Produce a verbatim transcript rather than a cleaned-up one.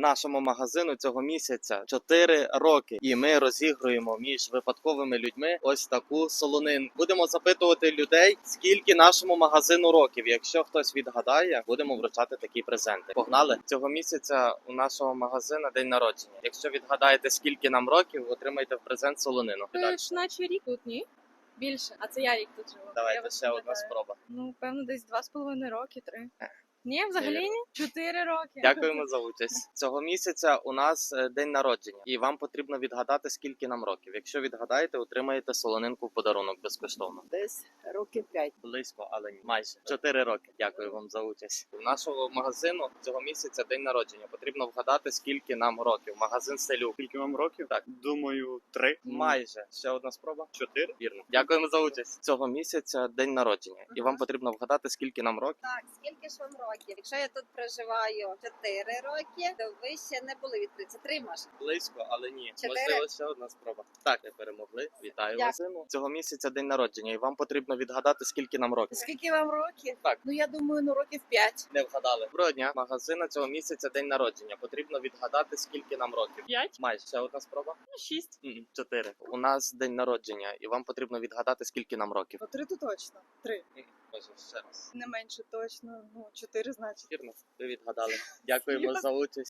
Нашому магазину цього місяця чотири роки, і ми розігруємо між випадковими людьми ось таку солонинку. Будемо запитувати людей, скільки нашому магазину років. Якщо хтось відгадає, будемо вручати такі презенти. Погнали! Цього місяця у нашого магазину день народження. Якщо відгадаєте, скільки нам років, отримаєте в презент солонину. Це ж наче рік тут, ні? Більше. А це я рік тут живу. Я Давайте вас ще одна пам'ятаю. спроба. Ну, певно, десь два з половиною роки, три. Ні, взагалі ні? Чотири роки. Дякуємо за участь. Цього місяця у нас е, день народження, і вам потрібно відгадати, скільки нам років. Якщо відгадаєте, отримаєте солонинку в подарунок безкоштовно. Десь років п'ять. Близько, але ні. Майже чотири роки. Дякую вам за участь. У нашого магазину цього місяця день народження. Потрібно вгадати, скільки нам років. Магазин Селюк. Скільки вам років? Так. Думаю, три. Майже. Ще одна спроба. Чотири. Вірно. Дякуємо за участь. Цього місяця день народження, і вам потрібно вгадати, скільки нам років. Так, скільки ж вам років? Якщо я тут проживаю чотири роки, то ви ще не були відкриті. Це три може. Близько, але ні. Чотири? Можливо, ще одна спроба. Так, ви перемогли. Вітаю Дякую. вас. Цього місяця день народження, і вам потрібно відгадати, скільки нам років. Скільки вам років? Так. Ну я думаю, ну років п'ять. Не вгадали. Доброго дня. Магазина цього місяця день народження. Потрібно відгадати, скільки нам років. П'ять? Майже. Ще одна спроба. Ну, шість. М, Чотири. У нас день народження, і вам потрібно відгадати, скільки нам років. Ну три то точно. Три. М, Може, ще раз. Не менше точно. Ну чотири значить. Вірно, ви відгадали. Дякуємо за участь.